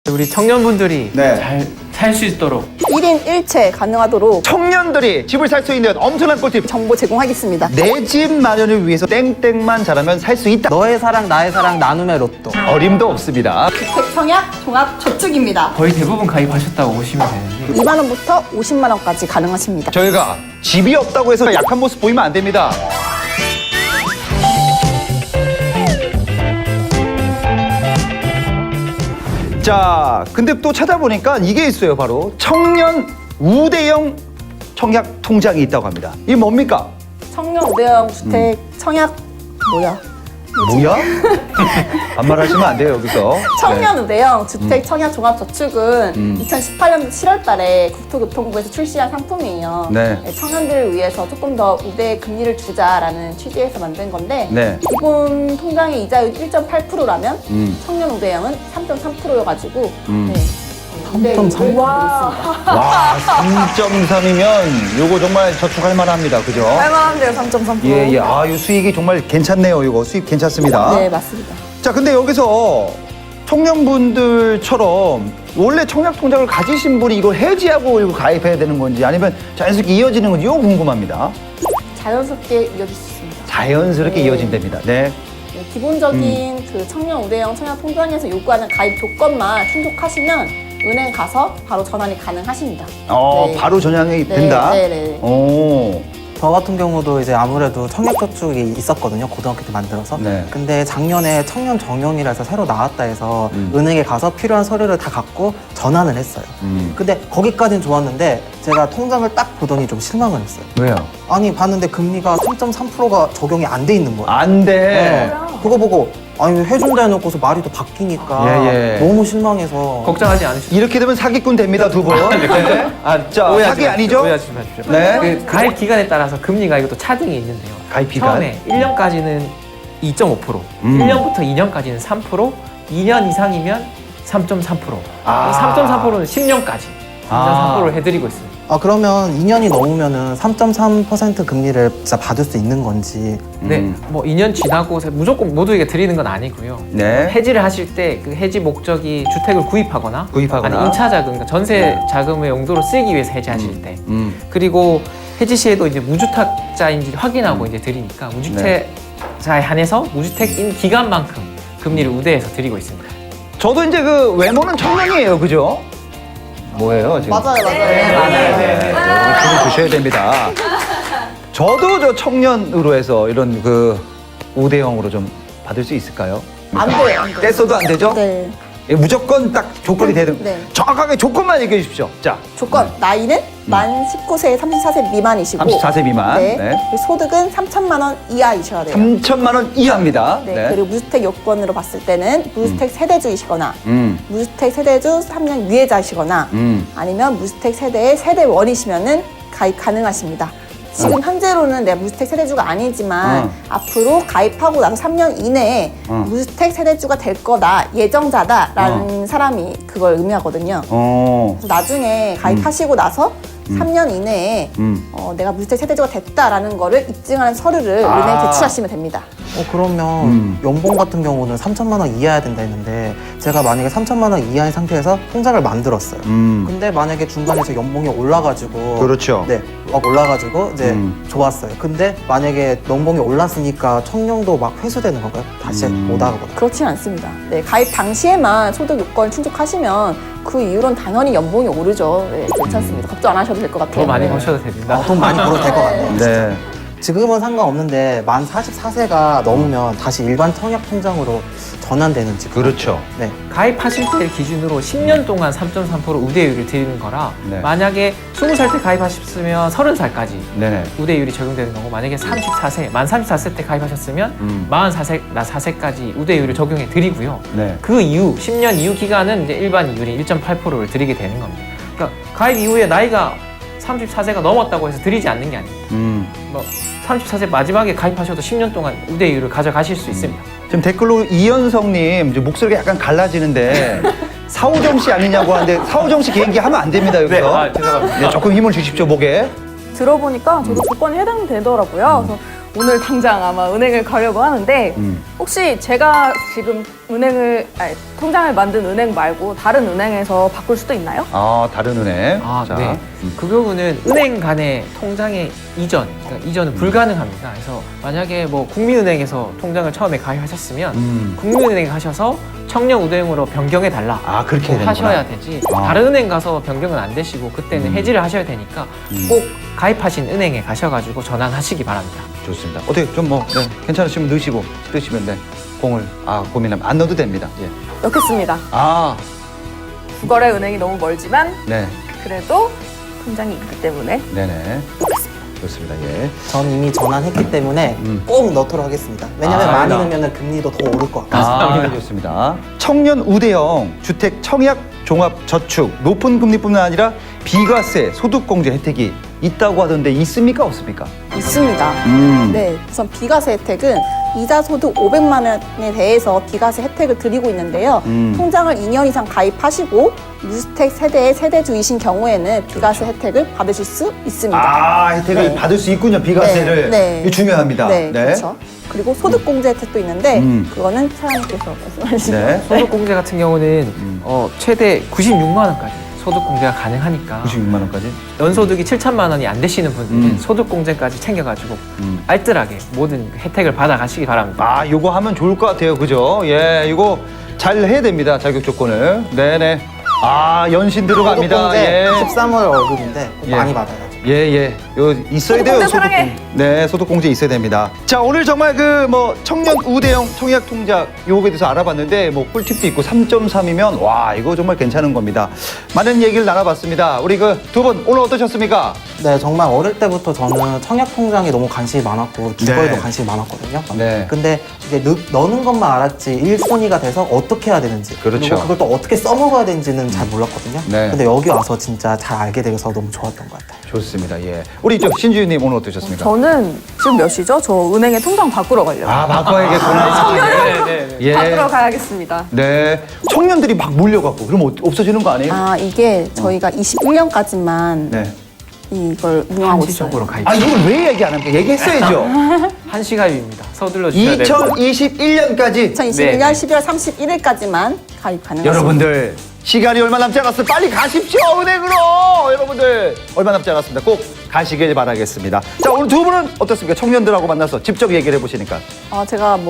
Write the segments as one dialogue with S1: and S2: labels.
S1: 우리 청년분들이
S2: 네.
S1: 잘 살 수 있도록
S3: 1인 1채 가능하도록
S2: 청년들이 집을 살 수 있는 엄청난 꿀팁.
S3: 정보 제공하겠습니다.
S2: 내 집 마련을 위해서 땡땡만 잘하면 살 수 있다.
S4: 너의 사랑 나의 사랑 나눔의 로또.
S2: 어림도 없습니다.
S3: 주택 청약 종합 저축입니다.
S1: 거의 대부분 가입하셨다고 보시면 되는데
S3: 2만 원부터 50만 원까지 가능하십니다.
S2: 저희가 집이 없다고 해서 약한 모습 보이면 안 됩니다. 자, 근데 또 찾아보니까 이게 있어요. 바로 청년 우대형 청약 통장이 있다고 합니다. 이게 뭡니까?
S3: 청년 우대형 주택 청약 뭐야?
S2: 뭐야? 반말하시면 안 돼요, 여기서.
S3: 청년 우대형 주택 청약 종합 저축은 2018년 7월 달에 국토교통부에서 출시한 상품이에요.
S2: 네.
S3: 청년들을 위해서 조금 더 우대 금리를 주자라는 취지에서 만든 건데
S2: 네.
S3: 기본 통장의 이자율 1.8%라면 청년 우대형은 3.3%여가지고
S2: 음.
S3: 네.
S4: 3.3?
S3: 와.
S2: 와, 3.3이면 요거 정말 저축할 만합니다. 그죠?
S3: 할만한데요, 3.3%.
S2: 예, 예. 아, 이 수익이 정말 괜찮네요. 이거 수익 괜찮습니다.
S3: 네, 맞습니다.
S2: 자, 근데 여기서 청년분들처럼 원래 청약 통장을 가지신 분이 이걸 해지하고 이거 가입해야 되는 건지 아니면 자연스럽게 이어지는 건지 이거 궁금합니다.
S3: 자연스럽게 이어질 수 있습니다.
S2: 자연스럽게
S3: 네.
S2: 이어진답니다. 네.
S3: 네, 기본적인 그 청년 우대형 청약 통장에서 요구하는 가입 조건만 충족하시면 은행 가서 바로 전환이 가능하십니다. 네.
S2: 바로 전향이
S3: 네,
S2: 된다?
S3: 네, 네.
S2: 오.
S4: 저 같은 경우도 이제 아무래도 청약저축이 있었거든요. 고등학교 때 만들어서.
S2: 네.
S4: 근데 작년에 청년 정년이라 해서 새로 나왔다 해서 은행에 가서 필요한 서류를 다 갖고 전환을 했어요. 근데 거기까지는 좋았는데 제가 통장을 딱 보더니 좀 실망을 했어요.
S2: 왜요?
S4: 아니 봤는데 금리가 3.3%가 적용이 안 돼 있는 거예요.
S2: 안 돼.
S4: 네. 그거 보고 아니 해준다 해놓고서 말이 또 바뀌니까
S2: 예, 예.
S4: 너무 실망해서
S1: 걱정하지 않으셔도
S2: 이렇게 되면 사기꾼 됩니다, 두 분. 네. 자,
S1: 오해하지
S2: 사기
S1: 마십시오.
S2: 아니죠?
S1: 오해하지 마십시오.
S2: 네.
S1: 그 가입 기간에 따라서 금리가 이것도 차등이 있는데요.
S2: 가입 기간?
S1: 처음에 1년까지는 2.5%, 1년부터 2년까지는 3%, 2년 이상이면 3.3%.
S2: 아.
S1: 3.3%는 10년까지 3.3%를 해드리고 있습니다.
S4: 아 그러면 2년이 넘으면은 3.3% 금리를 진짜 받을 수 있는 건지.
S1: 네, 뭐 2년 지나고 무조건 모두에게 드리는 건 아니고요.
S2: 네.
S1: 해지를 하실 때 그 해지 목적이 주택을 구입하거나,
S2: 구입하거나.
S1: 아니 임차 자금, 그러니까 전세 자금의 용도로 쓰기 위해서 해지하실 때,
S2: 음.
S1: 그리고 해지 시에도 이제 무주택자인지 확인하고 이제 드리니까 무주택자에 한해서 무주택인 기간만큼 금리를 우대해서 드리고 있습니다.
S2: 저도 이제 그 외모는 청년이에요, 그죠? 뭐예요, 지금?
S3: 맞아요, 맞아요.
S1: 네.
S2: 여러분 주셔야 됩니다. 저도 저 청년으로 해서 이런 그 우대형으로 좀 받을 수 있을까요?
S3: 안 돼요, 안 돼요.
S2: 떼써도 안 되죠?
S3: 네.
S2: 예, 무조건 딱 조건이 되는.
S3: 네.
S2: 정확하게 조건만 얘기해 주십시오. 자,
S3: 조건, 나이는 만 19세, 34세 미만이시고
S2: 34세 미만.
S3: 네.
S2: 네.
S3: 그리고 소득은 3천만 원 이하이셔야 돼요.
S2: 3천만 원 이하입니다.
S3: 네. 그리고 무주택 요건으로 봤을 때는 무주택 세대주이시거나 무주택 세대주 3년 유예자이시거나 아니면 무주택 세대의 세대원이시면은 가입 가능하십니다. 지금 현재로는 내가 무주택 세대주가 아니지만 앞으로 가입하고 나서 3년 이내에 무주택 세대주가 될 거다, 예정자다라는 사람이 그걸 의미하거든요. 그래서 나중에 가입하시고 나서 3년 이내에 내가 무주택 세대주가 됐다라는 거를 입증하는 서류를 은행에 제출하시면 됩니다.
S4: 그러면 연봉 같은 경우는 3천만 원 이하야 된다 했는데 제가 만약에 3천만 원 이하인 상태에서 통장을 만들었어요. 근데 만약에 중간에 제 연봉이 올라가지고
S2: 그렇죠.
S4: 네, 막 올라가지고 이제 좋았어요. 근데 만약에 연봉이 올랐으니까 청년도 막 회수되는 건가요? 다시 못 하거나.
S3: 그렇진 않습니다. 네, 가입 당시에만 소득 요건을 충족하시면 그 이후로는 당연히 연봉이 오르죠. 네, 괜찮습니다. 걱정 안 하셔도 될 것 같아요.
S1: 더 많이
S3: 네.
S1: 버셔도 됩니다.
S4: 돈 많이 벌어도 될 것 같네요.
S2: 네.
S4: 지금은 상관없는데 만 44세가 넘으면 다시 일반 청약 통장으로 전환되는지.
S2: 그렇죠.
S4: 네.
S1: 가입하실 때 기준으로 10년 동안 3.3% 우대율을 드리는 거라
S2: 네.
S1: 만약에 20살 때 가입하셨으면 30살까지
S2: 네네.
S1: 우대율이 적용되는 거고 만약에 34세, 만 34세 때 가입하셨으면 44세까지 우대율을 적용해 드리고요.
S2: 네.
S1: 그 이후 10년 이후 기간은 이제 일반 이율인 1.8%를 드리게 되는 겁니다. 그러니까 가입 이후에 나이가 34세가 넘었다고 해서 드리지 않는 게 아닙니다. 뭐 34세 마지막에 가입하셔도 10년 동안 우대율을 가져가실 수 있습니다.
S2: 지금 댓글로 이현성님 이제 목소리가 약간 갈라지는데 사오정 씨 아니냐고 하는데 사오정 씨 개인기 하면 안 됩니다 여기서.
S1: 죄송합니다.
S2: 네, 조금 힘을 주십시오 목에.
S5: 들어보니까 저도 조건이 해당되더라고요. 그래서 오늘 당장 아마 은행을 가려고 하는데 혹시 제가 지금 통장을 만든 은행 말고 다른 은행에서 바꿀 수도 있나요?
S2: 다른 은행.
S1: 아,
S2: 자,
S1: 네. 그 경우는 은행 간의 통장의 그러니까 이전은 불가능합니다. 그래서 만약에 뭐 국민은행에서 통장을 처음에 가입하셨으면 국민은행에 가셔서 청년우대행으로 변경해 달라.
S2: 그렇게 해야 되는구나.
S1: 하셔야 되지. 다른 은행 가서 변경은 안 되시고 그때는 해지를 하셔야 되니까 꼭 가입하신 은행에 가셔가지고 전환하시기 바랍니다.
S2: 좋습니다. 어떻게 좀 괜찮으시면 넣으시고 싶으시면 공을 고민하면 안 넣어도 됩니다. 예.
S5: 넣겠습니다. 구거래 은행이 너무 멀지만
S2: 네.
S5: 그래도 통장이 있기 때문에
S2: 네네. 좋습니다. 예.
S4: 전 이미 전환했기 때문에 꼭 넣도록 하겠습니다. 왜냐면 많이
S1: 감사합니다.
S4: 넣으면 금리도 더 오를 것 같아요.
S2: 좋습니다. 청년 우대형 주택 청약 종합 저축 높은 금리뿐만 아니라 비과세 소득공제 혜택이 있다고 하던데 있습니까 없습니까?
S3: 있습니다. 네, 우선 비과세 혜택은 이자 소득 500만 원에 대해서 비과세 혜택을 드리고 있는데요. 통장을 2년 이상 가입하시고 무주택 세대의 세대주이신 경우에는 비과세 혜택을 받으실 수 있습니다.
S2: 혜택을
S3: 네.
S2: 받을 수 있군요. 비과세를.
S3: 네.
S2: 이거 중요합니다.
S3: 네, 그렇죠. 그리고 소득공제 혜택도 있는데 그거는 차장님께서 말씀하시죠.
S2: 네.
S1: 소득공제 같은 경우는 최대 96만 원까지 소득공제가 가능하니까
S2: 96만 원까지.
S1: 연소득이 7천만 원이 안 되시는 분들은 소득공제까지 챙겨가지고 알뜰하게 모든 혜택을 받아가시기 바랍니다.
S2: 요거 하면 좋을 것 같아요. 그죠? 예, 이거 잘 해야 됩니다. 자격 조건을. 네네. 연신 들어갑니다.
S4: 소득공제
S2: 예.
S4: 13월 월급인데 꼭
S2: 예.
S4: 많이 받아야죠.
S2: 예. 요 있어야 돼요.
S5: 소득공제 사랑해.
S2: 네, 소득공제 있어야 됩니다. 자, 오늘 정말 청년 우대형 청약 통장 요거에 대해서 알아봤는데 꿀팁도 있고 3.3이면 와, 이거 정말 괜찮은 겁니다. 많은 얘기를 나눠봤습니다. 우리 두 분 오늘 어떠셨습니까?
S4: 네, 정말 어릴 때부터 저는 청약 통장에 너무 관심이 많았고 주거에도
S2: 네.
S4: 관심이 많았거든요.
S2: 네.
S4: 근데 이제 넣는 것만 알았지 1순위가 돼서 어떻게 해야 되는지
S2: 그렇죠.
S4: 그리고 그걸 또 어떻게 써먹어야 되는지는 잘 몰랐거든요.
S2: 네.
S4: 근데 여기 와서 진짜 잘 알게 돼서 너무 좋았던 것 같아요.
S2: 좋습니다. 예. 우리 신주윤님 오늘 어떠셨습니까?
S5: 저는 지금 몇 시죠? 저 은행에 통장 바꾸러 가려고.
S2: 바꿔야겠구나. 예.
S5: 바꾸러 가야겠습니다.
S2: 네. 청년들이 막 몰려갖고 그럼 없어지는 거 아니에요?
S3: 이게 저희가 21년까지만
S2: 네.
S3: 이걸 운영하고 있어요.
S1: 한시적으로 가입.
S2: 이걸 왜 얘기 안 합니까? 얘기했어야죠.
S1: 한시 가입입니다. 서둘러 주셔야 됩니다.
S2: 2021년까지
S3: 2021년
S1: 네.
S3: 12월 31일까지만 가입 가능하십니다.
S2: 여러분들 시간이 얼마 남지 않았어요. 빨리 가십시오 은행으로. 여러분들 얼마 남지 않았습니다. 꼭 가시길 바라겠습니다. 자, 오늘 두 분은 어떻습니까? 청년들하고 만나서 직접 얘기를 해보시니까.
S3: 제가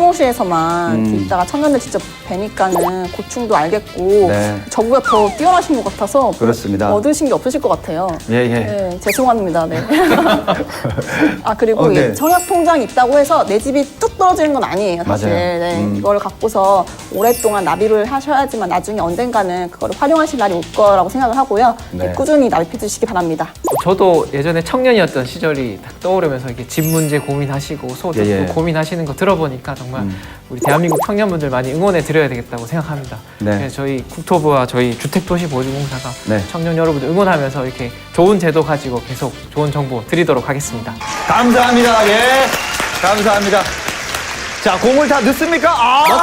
S3: 사무실에서만 이렇게 있다가 청년들 직접 뵈니까는 고충도 알겠고
S2: 네.
S3: 저보다 더 뛰어나신 것 같아서
S2: 그렇습니다.
S3: 얻으신 게 없으실 것 같아요.
S2: 예.
S3: 네, 죄송합니다. 네. 그리고
S2: 네.
S3: 이 청약 통장이 있다고 해서 내 집이 뚝 떨어지는 건 아니에요, 사실.
S2: 맞아요.
S3: 네, 이걸 갖고서 오랫동안 나비를 하셔야지만 나중에 언젠가는 그거를 활용하실 날이 올 거라고 생각을 하고요.
S2: 네.
S3: 꾸준히 납입해 주시기 바랍니다.
S1: 저도 예전에 청년이었던 시절이 딱 떠오르면서 이렇게 집 문제 고민하시고 소득도
S2: 예.
S1: 고민하시는 거 들어보니까 정말 우리 대한민국 청년분들 많이 응원해 드려야 되겠다고 생각합니다.
S2: 네.
S1: 그래서 저희 국토부와 저희 주택도시보증공사가
S2: 네.
S1: 청년 여러분들 응원하면서 이렇게 좋은 제도 가지고 계속 좋은 정보 드리도록 하겠습니다.
S2: 감사합니다. 예. 감사합니다. 자, 공을 다 넣습니까?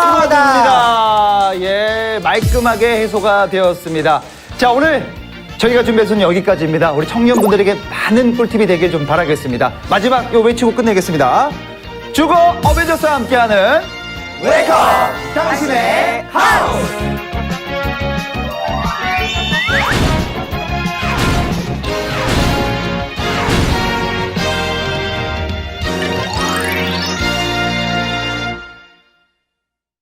S4: 넣습니다.
S2: 넣습니다. 예. 말끔하게 해소가 되었습니다. 자, 오늘 저희가 준비해서는 여기까지입니다. 우리 청년분들에게 많은 꿀팁이 되길 좀 바라겠습니다. 마지막 요 외치고 끝내겠습니다. 주거 어벤져스와 함께하는 웨이크업! 당신